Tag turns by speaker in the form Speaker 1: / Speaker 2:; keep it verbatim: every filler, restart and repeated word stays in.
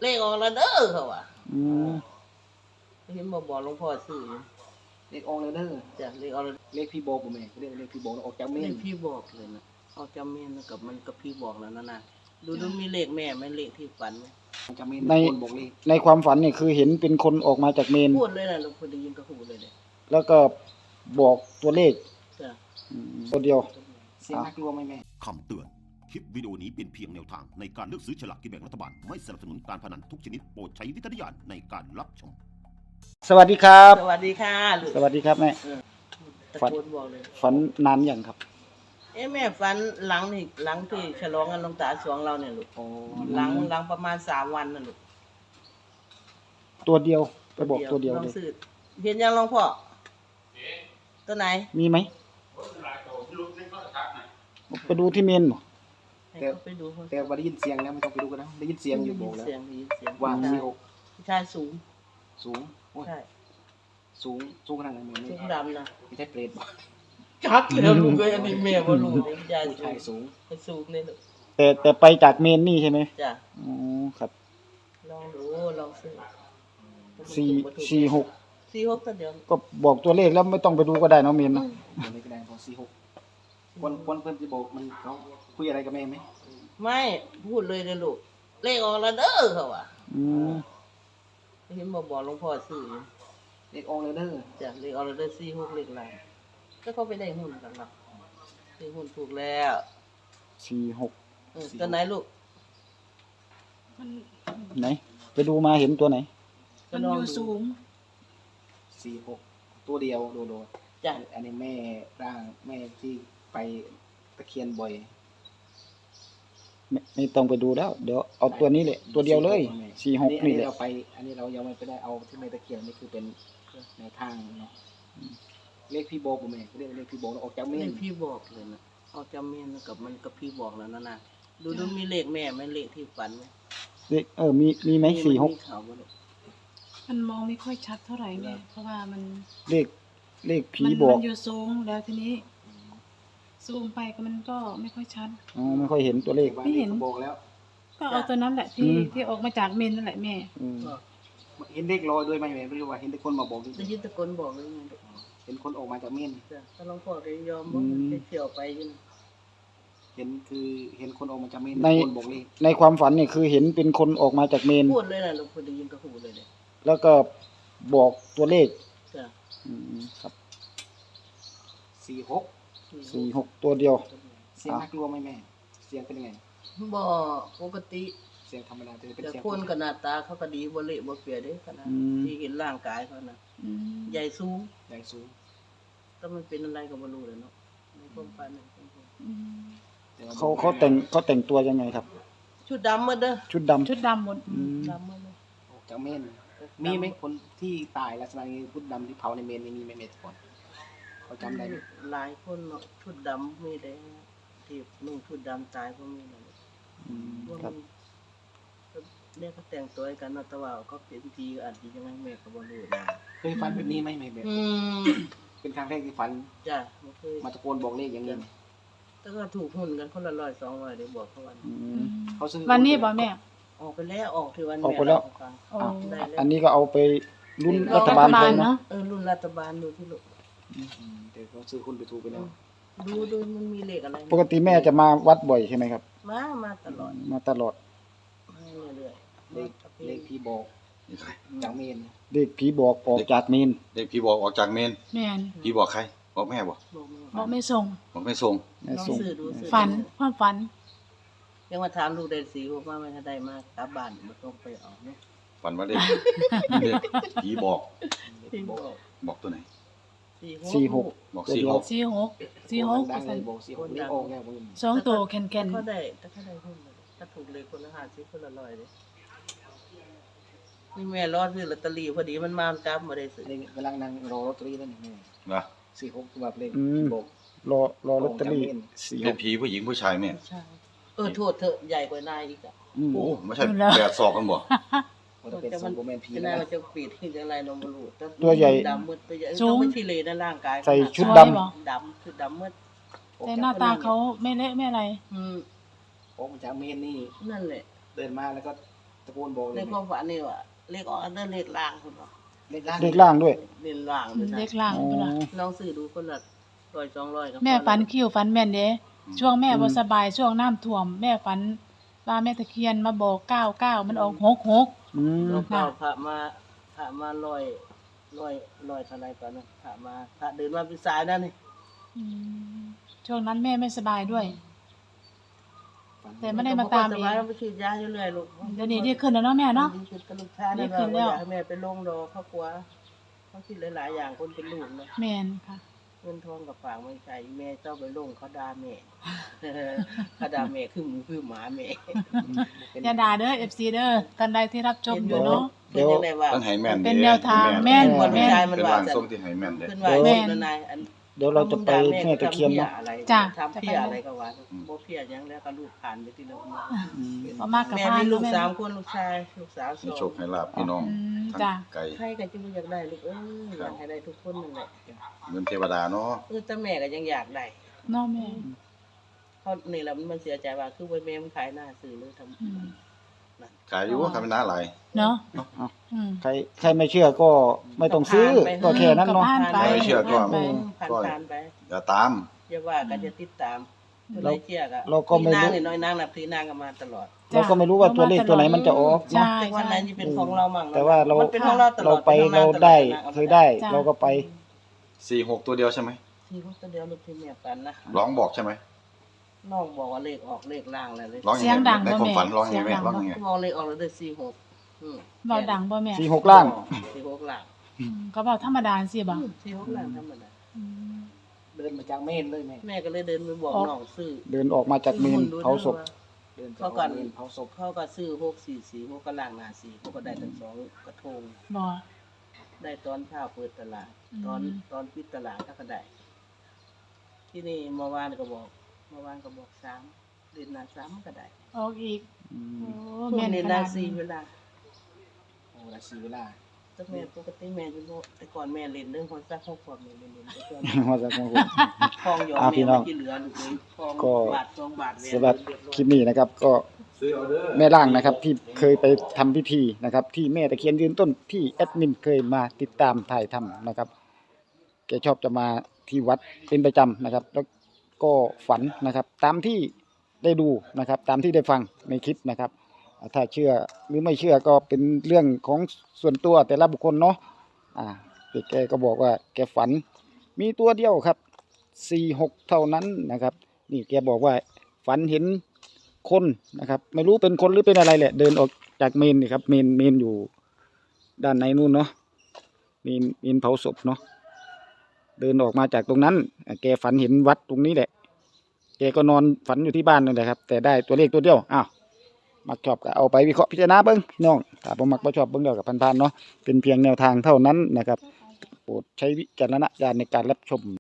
Speaker 1: เลขออกแล้วเด้อเขาว่า
Speaker 2: อืม
Speaker 1: เห็นบ่บอกหลวงพ่อซื้อ
Speaker 3: เลขออกแล้วเด้อ
Speaker 1: จ้ะเลขออกแล้ว
Speaker 3: เลขพี่บอกบ่แม่เรียกเลขพี่บอกแล้วออกจากเม
Speaker 1: เล
Speaker 3: น
Speaker 1: ขพี่บอกเลยนะออกจากเมนกับมันกับพี่บอกแล้วนะนะดูดูมีเลขแม่ไหมเลขที่ฝันไหม
Speaker 3: ออกจากเมน
Speaker 2: ใน
Speaker 3: คนบอกเลข
Speaker 2: ในความฝันนี่คือเห็นเป็นคนออกมาจากเมน
Speaker 1: พูดเลยนะหลวงพ่อได้ยินก็พูดเลยเลย
Speaker 2: แล้วก็บอกตัวเลข
Speaker 1: จ้ะ
Speaker 2: อืมตัวเดียว
Speaker 3: เสียงน่ากลัวไหมแม่
Speaker 4: คำเตือน คลิปวิดีโอนี้เป็นเพียงแนวทางในการเลือกซื้อฉลากกินแบ่งรัฐบาล ไม่สนับสนุนการพนันทุกชนิดโปรดใช้วิจารณญาณในการรับชม
Speaker 2: สวัสดีครับ
Speaker 1: สวัสดีค่ะลูก
Speaker 2: สวัสดีครับแม่
Speaker 1: เออตะ
Speaker 2: ฝัน
Speaker 1: โกนบอกเลย
Speaker 2: ฝันนานอย่างครับ
Speaker 1: เอ้แม่ฝันหลังนี่หลังที่ฉลองกันหลวงตาสวงเราเนี่ยลูก
Speaker 3: โอ้
Speaker 1: หลังหลังประมาณสามวันน่ะลูก
Speaker 2: ตัวเดียวไปบอกตัวเดียว
Speaker 1: ลอ
Speaker 2: เล
Speaker 1: ง
Speaker 2: ย
Speaker 1: ซื้อเห็นยังหลวงพ่อตัวไหน
Speaker 2: มีไหมไปดูที่เมนบ่
Speaker 1: ให้เขาไปดูเขา
Speaker 3: แต่ว่าได้ยินเสียงแล้วไม่ต้องไปดูกันนะได้ยินเสียงอยู่บอกแล้ว
Speaker 1: เสียงได้ยินเสียง
Speaker 3: ว่าสี่หก
Speaker 1: ผู้ชายสูง
Speaker 3: สูงโอ้ย
Speaker 1: ใช่
Speaker 3: สูงสูงขนาดไหนแม่
Speaker 1: สู
Speaker 3: ไม่
Speaker 1: งดำนะ
Speaker 3: ไม่ใช่เปรตบอก
Speaker 1: ชักเลยลูกเลยอันนี้แม่บ่รู้เลยผู้ชาย
Speaker 3: ผู้
Speaker 1: สู
Speaker 3: ชาย
Speaker 1: ง
Speaker 3: สูง
Speaker 1: ไปสูงเลยลูก
Speaker 2: แต่แต่ไปจากเมนนี่ใช่ไหม
Speaker 1: จ้ะ
Speaker 2: อ๋อครับ
Speaker 1: ลองดูลองซื้อ
Speaker 2: สี่สี่หก
Speaker 1: สี่หกตัวเดียว
Speaker 2: ก็บอกตัวเลขแล้วไม่ต้องไปดูก็ได้เนาะเมน
Speaker 1: อื
Speaker 2: เนาะ
Speaker 1: ม
Speaker 3: เดี๋ยวนี้ก็ได้พอสี่หกคนคนเพื่อนจะบอกมันเขาคุยอะไรกับแม่ไหม
Speaker 1: ไม่พูดเลยเลยลูกเลขออกแล้วเด้อเขาว่า
Speaker 2: อืม
Speaker 1: เห็นบ่บอกหลวงพ่อซื้อ
Speaker 3: เลขออกแล้วเด้อ
Speaker 1: จ้ะเลขออกแล้วเด้อสี่หกเลขอะไรก็เขาไปได้หุ้นกันเนาะซื้อหุ้นถูกแล้ว
Speaker 2: สี่หก
Speaker 1: เออตัวไหนลูก
Speaker 2: ไหน ไปดูมาเห็นตัวไหน
Speaker 1: ก็ลองดู
Speaker 3: สี่หกตัวเดียวโดโด
Speaker 1: จ้ะ
Speaker 3: อันนี้แม่ร่างแม่ที่ไปตะเคียนบ่อย
Speaker 2: ไม่ไม่ต้องไปดูแล้ว เดี๋ยวเอาตัวนี้แหละตัวเดียวเลยสี่หก
Speaker 3: อัน
Speaker 2: นี่
Speaker 3: นี้
Speaker 2: แหละ
Speaker 3: เราไป อันนี้เรายังไม่ไปได้เอาที่แม่ตะเคียนนี่คือเป็นแนวทางเนาะเลขพี่บอกบ่แม่เรียกเลขพี่บอกแล้วออกจากเม
Speaker 1: เล
Speaker 3: น
Speaker 1: ขพี่บอกเลยนะออกจากเมนกับมันกับพี่บอกแล้วนะนะดูดูมีเลขแม่ไหมเลขที่ฝันไหม
Speaker 2: เลขเออมีมีไหมสี่หก
Speaker 1: มีข่าวบ่ลูก
Speaker 5: มันมองไม่ค่อยชัดเท่าไหร่แม่เพราะว่ามัน
Speaker 2: เลขเลขผี
Speaker 5: มัน
Speaker 2: บอก
Speaker 5: มันอยู่สูงแล้วทีนี้ซูมไปก็มันก็ไม่ค่อยชัด
Speaker 2: อ๋อไม่ค่อยเห็นตัวเลข
Speaker 5: ไม่เห็น
Speaker 3: บอกแล้ว
Speaker 5: ก็เอาตัวนั้นแหละที่
Speaker 2: อืม
Speaker 5: ที่ออกมาจากเมนนั่นแหละแม่
Speaker 2: อืม
Speaker 3: เห็นเลขลอยด้วยไหมแม่ไม่รู้ว่าเห็นแต่คนมาบอกจ
Speaker 1: ได้
Speaker 3: ริง
Speaker 1: ยินตะโกนบอกเลยไงลูก
Speaker 3: ๆเห็นคนออกมาจากเมน
Speaker 1: จ้ะถ้าหลวงพ่อได้ยอมบ่ไปเที่ยวไปอยู่นะ
Speaker 3: เห็นคือเห็นคนออกมาจากเมน
Speaker 2: ใน
Speaker 3: คนบอกเลข
Speaker 2: ในความฝันนี่คือเห็นเป็นคนออกมาจากเมน
Speaker 1: พูดเลยนะหลวงพ่อได้ยินก็พูดเลยเลย
Speaker 2: แล้วก็บอกตัวเลข
Speaker 1: จ้ะ
Speaker 2: อืมครับ
Speaker 3: สี่หก
Speaker 2: สี่หกตัวเดียว
Speaker 3: เสียงน่ากลัวไหมแม่เสียงเป็นยังไง
Speaker 1: บ่ปกติ
Speaker 3: เสียงธรรมดาแต่เป็น
Speaker 1: แต่
Speaker 3: เสียง
Speaker 1: คนก็หน้าตาเขาก็ดีบ่เละบ่เปียเด้ขนาด
Speaker 2: อืม
Speaker 1: ที่เห็นร่างกายเขานะ
Speaker 5: อืม
Speaker 1: ใหญ่สูง
Speaker 3: ใหญ่สูง
Speaker 1: แต่มันเป็นอะไรก็บ่รู้เลยเนาะในความฝันน่ะ
Speaker 5: อืม
Speaker 3: แต่ว่
Speaker 2: เขาเขาแต่งเขาแต่งตัวยังไงครับ
Speaker 1: ชุดดำหมดเด้อ
Speaker 2: ชุดดำ
Speaker 5: ชุดดำหมด
Speaker 2: อืม
Speaker 1: ดำหมดเลย
Speaker 3: ออกจากเมนมีไหมคนที่ตายลักษณะนี้พุทธดำที่เผาในเมนนี่มีไหมเมนก่อนเขาจำได้ไหม
Speaker 1: หลายคนเนาะชุดดำมีได้ที่นุ่งชุดดำตายก็มีนะ
Speaker 2: อืม
Speaker 1: ว่า
Speaker 2: ครับ
Speaker 1: มันเนี่ยเขาแต่งตัวให้กันเนาะแต่ว่าเขาเป็นทีก็อาจจะยังไงแม่ก็บ่รู้นะ
Speaker 3: เคยฝันแบบนี้ไหมแม่แบบ
Speaker 1: อืม
Speaker 3: เป็นครั้งแรกที่ฝัน
Speaker 1: จ้ะบ่เคย
Speaker 3: มาตะโกนบอกเลขอย่างนี้ไหม
Speaker 1: แต่ก็ถูกหุ้นกันคนละร้อยสองร้อยเดี๋ยวบอกเขาวัน
Speaker 2: อื
Speaker 5: อื
Speaker 2: ม
Speaker 5: ม
Speaker 3: เขาซื้อ
Speaker 5: วันนี้บอกแม่
Speaker 1: ออกไปแล้วออกที่วัน
Speaker 2: ออก
Speaker 1: แม่
Speaker 2: ไปแล้ว
Speaker 1: เาให้ฟัง
Speaker 5: โอ้
Speaker 1: ได้แล้ว
Speaker 2: อันนี้ก็เอาไปรุ่น
Speaker 1: รั
Speaker 2: รั
Speaker 1: ฐ
Speaker 2: ฐ
Speaker 1: บา
Speaker 2: บา
Speaker 1: ล
Speaker 2: ลเลย
Speaker 5: เน
Speaker 2: นะ
Speaker 5: อะ
Speaker 1: เออรุ่นรัฐบาลดูที่ลูก
Speaker 3: อืมแต่เขาซื้อหุ้นไปถูกไปแล้ว
Speaker 1: ดูดูมันมีเลขอะไร
Speaker 2: ปกติแม่จะมาวัดบ่อยใช่ไหมครับ
Speaker 1: มามาตลอด
Speaker 2: มาตลอด
Speaker 1: มาเรื่อยๆ
Speaker 3: เลขเลขที่บอกจากเมน
Speaker 2: เลขผีบอกออกจากเมน
Speaker 6: เด็กพี่บอกออกจากเมน
Speaker 5: แม่น
Speaker 6: พี่บอกใคร บอกแม่บอก
Speaker 1: บอกแม่
Speaker 5: บอกไม่ส่ง
Speaker 6: บอกไม่ส่ง
Speaker 2: แม่
Speaker 1: ลอง
Speaker 2: ส่ง
Speaker 1: ซื้อดูซื้อ
Speaker 5: ฝันความฝัน
Speaker 1: ยังมาถามลูกได้สีบอกว่าไม่ถ้าได้มากลับบ้านบ่ต้องไปเออกเนาะ
Speaker 6: ฝันว่าเด็ก เด็กพี่บอก
Speaker 1: ที่บอก
Speaker 6: บอกตัวไหน
Speaker 2: สี่หก
Speaker 6: บอก
Speaker 2: ตัว
Speaker 6: สี่
Speaker 2: เดียว
Speaker 6: หก
Speaker 5: สี่หกสี่หก
Speaker 3: ดังเล
Speaker 5: สัน
Speaker 3: ยบอกสี่หกเลขออกแล้วมึง
Speaker 5: สองตัวแคนแคน
Speaker 1: เขาได้ถ้าเขาได้หุ้นเลยถ้าถูกเลยคนละห้าสิบคนละร้อยเลยนี่แม่รอดซื้อลอตเตอรี่พอดีมันมากลับมาได้ซื้อ
Speaker 3: อันนี้กำลังนั่งรอลอตเตอรี่นั่นเอง
Speaker 6: นะ
Speaker 3: สี่หกแบบเลข
Speaker 2: อืม
Speaker 3: ที่บอก
Speaker 2: รอรอลอตเตอรี่สี่ห
Speaker 6: เป็น
Speaker 2: ก
Speaker 6: ผีผู้หญิงผู้ชายแม่
Speaker 1: ใช่เออโทษเถอะใหญ่กว่านายอีกอ่ะ
Speaker 2: อืม
Speaker 6: โอ้ไม่ใช่แปดศอกกันบ่
Speaker 3: ว่าจะเป็นสมบูรณ์แมนพี
Speaker 1: จะ
Speaker 3: แล้
Speaker 1: น่าว จะปิดที่จะอะไรเราไม่รู้แต่
Speaker 2: ตัวใหญ่
Speaker 1: ดำมืดตัวใหญ่ต้องไม่ทีเลในร่างกาย
Speaker 2: ใส่ชุด
Speaker 5: สวย
Speaker 2: ดำ
Speaker 5: บ่
Speaker 1: ดำคือดำมืด
Speaker 5: แต่หน้าตาเขาไม่เละไม่อะไร
Speaker 1: อืม
Speaker 3: ออกมาจากเมนนี่
Speaker 1: นั่นแหละ
Speaker 3: เดินมาแล้วก็ตะะโกนบอกเล
Speaker 1: ใน
Speaker 3: ย
Speaker 1: ความฝันนี่ว่าเลขออกอันเดอร์เลขล่างคุณบอก
Speaker 3: เลขล่าง
Speaker 2: เลขล่างด้วย
Speaker 1: เลขล่างด้วยนะ
Speaker 5: เล็กล่าง
Speaker 2: อ๋อ
Speaker 5: พุ่นล่ะ
Speaker 1: ลองซื้อดูคนละร้อยสองร้อยก็พอ
Speaker 5: แม่ฝัน
Speaker 1: ล้ว
Speaker 5: คิวฝันแม่นเด้ช่วงแม่
Speaker 2: อืม
Speaker 5: บ่สบายช่วงน้ำท่วม แม่ฝันว่าแม่ตะเคียนมาบอกเก้าเก้ามันออกหกหก
Speaker 2: อืม
Speaker 1: แล้วก็พระมาพระมาลอยลอยลอยเท่าไรตอนนั้นพระมาพระเดินมาเป็นสายนั่นนี่
Speaker 5: อืมช่วงนั้นแม่ไม่สบายด้วย
Speaker 3: ฝัน
Speaker 5: แต่ไม่ได้มาตาม
Speaker 1: ส
Speaker 5: เอง
Speaker 1: บายแล้วไปฉีดยาเรื่อยๆลูก
Speaker 5: เดี๋ยวนี้ดีขึ้นแล้วเนาะแม่เนาะ
Speaker 1: ดีขึ้นกับลูกชาย
Speaker 5: ดี
Speaker 1: นั่น
Speaker 5: ขึ้นแล้ว
Speaker 1: อยากให้แม่ไปลงดอกเขากลัวเขาคิดหลายๆอย่างคนเป็นลูกเนาะ
Speaker 5: แม่นค่ะ
Speaker 1: เงินทองกับฝากไม่ใช่แม่เจ้าไปลงเขาด่าแม่ เขาด่าแม่คือหมูคือหมาแม่
Speaker 5: อย่าด่าเด้อ เอฟ ซี เด้อท่านใดที่รับชมอยู่เนาะ
Speaker 1: เดี๋ยวยังไงว่า
Speaker 6: ต้องให้แม่น
Speaker 5: เป็นแนวทางแม่น
Speaker 1: คนผู้ชายมัน
Speaker 6: เป็น
Speaker 1: ว่า
Speaker 6: ร่าง
Speaker 1: จะ
Speaker 6: ทรงที่ให้แม่นเด้
Speaker 1: ขึ้นว่า
Speaker 5: แม่
Speaker 1: แม่นายอัน
Speaker 2: เดี๋ยวเราจะไปแม่ตะเคียนเนาะ
Speaker 5: จ้ะ
Speaker 1: ทำเพี้ยอะไรก็ว่าบ่เพี้ยหยังแล้วก็ลูกผ่านไปที่แล้ว
Speaker 2: อืม
Speaker 5: บ่มากกับ
Speaker 1: แม่
Speaker 5: พา
Speaker 1: มี
Speaker 5: น
Speaker 1: ลูก
Speaker 5: แม่
Speaker 1: สามคนลูกชายลูกสาวส
Speaker 6: ให้
Speaker 1: อง
Speaker 6: โชคให้ลาภพี่น้อง
Speaker 5: อืม
Speaker 6: ทั้ง
Speaker 5: จ้ะ
Speaker 6: ไกล
Speaker 1: ใครก็จะบ่อยากได้ลูกเอ้ยอยากให้ได้ทุกคนนั่นแหละ
Speaker 6: เหมือนเทวดาเนาะ
Speaker 1: เออแต่แม่ก็ยังอยากได้
Speaker 5: เนาะแม่
Speaker 1: เขานี่แหละมันเสียใจว่าคือไว้แม่มันขายหน้าซื้อเลยทำ
Speaker 5: อืม
Speaker 6: ขายอยู่ขายเป็นหน้าหลาย
Speaker 5: เนาะ
Speaker 2: เอา
Speaker 5: อืม
Speaker 2: ใครใครไม่เชื่อก็ไม่ต้องซื้อก็แค่นั้นเนาะ
Speaker 5: ผ่านไป
Speaker 6: ไม่เชื่อก็
Speaker 5: ผ่านไป
Speaker 1: ผ่าน
Speaker 6: ก็
Speaker 1: ผ่านไป
Speaker 6: อย่าตาม
Speaker 1: อย่าว่ากันจะติดตามเมื่อไรเชื่อก็
Speaker 2: เราก็ไม่รู้
Speaker 1: นางนี่น้อยนางนับถือนางกันมาตลอด
Speaker 2: เราก็ไม่รู้ว่าตัวเลขตัวไหนมันจะออก
Speaker 5: ใช่
Speaker 2: เนาะ
Speaker 1: แต่วันไหนจะเป็นของเรามั่งนะ
Speaker 2: แต่ว่าเรา
Speaker 1: มันเป็นของเราตล
Speaker 2: เรา
Speaker 1: อด
Speaker 2: ไป
Speaker 1: ป็นของ
Speaker 2: เรา
Speaker 1: ตลอ
Speaker 2: ได้
Speaker 1: นาง
Speaker 2: เคยได้
Speaker 5: จ้ะ
Speaker 2: เราก็ไป
Speaker 6: สี่หกตัวเดียวใช่ไหม
Speaker 1: ที่พวกตัวเดียวลูกที่แม่ปันนะ
Speaker 6: ร้องบอกใช่ไหม
Speaker 1: น้องบอกว่าเลขออกเลขล่างอะไรเลย
Speaker 6: ร้อง
Speaker 5: เสี
Speaker 6: ยั
Speaker 5: ย
Speaker 6: ง
Speaker 5: ง
Speaker 6: ไง
Speaker 5: ดัง
Speaker 6: ใน
Speaker 5: บ่
Speaker 6: ความ
Speaker 5: แม่
Speaker 6: ฝันร้องยังไง
Speaker 5: เสียงดัง
Speaker 6: ร้องยังไง
Speaker 1: บอกเลขออกแล้วได้สี่หกอืม
Speaker 5: เว้าดังบ่แม่
Speaker 2: สี่หกล่าง
Speaker 1: สี่หกล่าง
Speaker 5: อืมก็เว้าธรรมดาสิบ่
Speaker 1: อืมสี่หกล่างธรรมดา
Speaker 5: อืม
Speaker 3: เดินมาจากเมนเลยแม่
Speaker 1: แม่ก็เลยเดินไปบอกน้องซื้อ
Speaker 2: เดินออกมาจากเมนเผาศพ
Speaker 3: เดินจาก
Speaker 1: เขาก่อน
Speaker 3: เมนเผาศพ
Speaker 1: เขาก็ซื้อหกสี่สี่หกก็ล่างหน้าสี่เขาก็ได้ทั้งสองกระทง
Speaker 5: บ่
Speaker 1: ได้ตอนเช้าเปิดตลาด
Speaker 5: อืม
Speaker 1: ตอนตอนปิดตลาดเขาก็ได้ ที่นี่เมื่อวานก็บอกเมื่อวานก็บอกสามเดือนหน้าสามก็ได้
Speaker 5: ออกอีก
Speaker 2: อื
Speaker 5: โอ้
Speaker 2: ม
Speaker 1: พว
Speaker 5: แม่
Speaker 1: ก
Speaker 5: น
Speaker 1: นี้
Speaker 5: ข
Speaker 1: นา
Speaker 5: นาด
Speaker 1: สี่
Speaker 5: นี้
Speaker 1: เวลา
Speaker 3: โอ้ราศีเวลา
Speaker 1: แต่แม่ปกติแม่จะบอกแต่ก่อนแม่เล่นเรื่องคนซักข้อความแม่เล่นเล่นแต่ก่อน
Speaker 2: ว่าจะของผม
Speaker 1: ทองหยอด
Speaker 2: อ่าพี่
Speaker 1: แม่
Speaker 2: น้อง
Speaker 1: ไม่กี่เหลือลูกเลยทอง
Speaker 2: ก็
Speaker 1: บาทสองบาทแม่
Speaker 2: สำหรับ
Speaker 1: เดือดร้อน
Speaker 2: คลิปนี้นะครับ ก็
Speaker 6: ซื้อเอาเด้อ
Speaker 2: แม่ล่างนะครับที่เคยไปทำพิธีนะครับ ที่แม่ตะเคียนยืนต้นที่แอดมินเคยมาติดตามถ่ายทำนะครับแกชอบจะมาที่วัดเป็นประจำนะครับ แล้วก็ฝันนะครับ ตามที่ได้ดูนะครับ ตามที่ได้ฟังในคลิปนะครับอ่าถ้าเชื่อหรือไม่เชื่อก็เป็นเรื่องของส่วนตัวแต่ละบุคคลเนาะอ่าแกก็บอกว่าแกฝันมีตัวเดียวครับสี่หกเท่านั้นนะครับ นี่แกบอกว่าฝันเห็นคนนะครับ ไม่รู้เป็นคนหรือเป็นอะไรแหละ เดินออกจากเมนนี่ครับเมนเมนอยู่ด้านในนู่นเนาะเมนเมนเผาศพเนาะเดินออกมาจากตรงนั้นอ่ะแกฝันเห็นวัดตรงนี้แหละแกก็นอนฝันอยู่ที่บ้านนั่นแหละครับ แต่ได้ตัวเลขตัวเดียวอ้าวมักชอบก็เอาไปวิเคราะห์พิจารณาเบิ้งพี่น้องถ้าบ่มักบ่ชอบเบิ้งเดียวกับพันๆเนาะเป็นเพียงแนวทางเท่านั้นนะครับ โปรดใช้วิจารณญาณในการรับชม